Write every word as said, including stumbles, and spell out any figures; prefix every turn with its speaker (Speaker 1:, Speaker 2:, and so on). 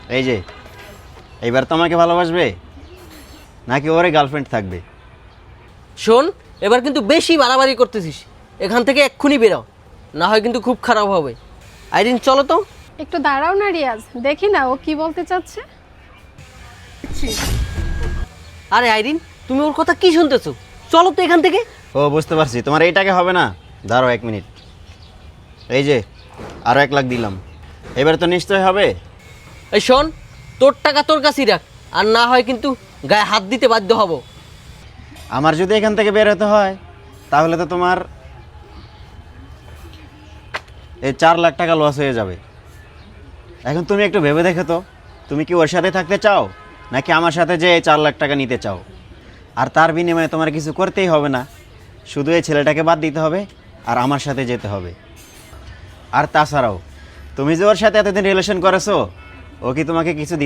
Speaker 1: এই যে এইবার তোমাকে ভালোবাসবে নাকি ওরে গার্লফ্রেন্ড থাকবে?
Speaker 2: শোন, এবার কিন্তু বেশি বাড়াবাড়ি করতেছিস। এখান থেকে এক্ষুনি বেরো, না হয় কিন্তু খুব খারাপ হবে। আইরিন চলো তো।
Speaker 3: একটু দাঁড়াও না রিয়াজ, দেখি না ও কি বলতে চাচ্ছে।
Speaker 2: আরে আইরিন, তুমি ওর কথা কি শুনতেছো? চলো তো এখান থেকে।
Speaker 1: ও বুঝতে পারছি, তোমার এই টাকা হবে না। দাঁড়াও এক মিনিট। এই যে আরও এক লাখ দিলাম, এবার তো নিশ্চয় হবে।
Speaker 2: এই শোন, তোর টাকা তোর কাছেই রাখ, আর না হয় কিন্তু গায়ে হাত দিতে বাধ্য হব।
Speaker 1: আমার যদি এখান থেকে বের হতে হয় তাহলে তো তোমার এই চার লাখ টাকা লস হয়ে যাবে। এখন তুমি একটু ভেবে দেখো তো, তুমি কি ওর সাথে থাকতে চাও নাকি আমার সাথে যে এই চার লাখ টাকা নিতে চাও? আর তার বিনিময়ে তোমার কিছু করতেই হবে না, শুধু এই ছেলেটাকে বাদ দিতে হবে আর আমার সাথে যেতে হবে। আর তাছাড়াও তুমি যে ওর সাথে এতদিন রিলেশন করেছো, ও কি তোমাকে কিছু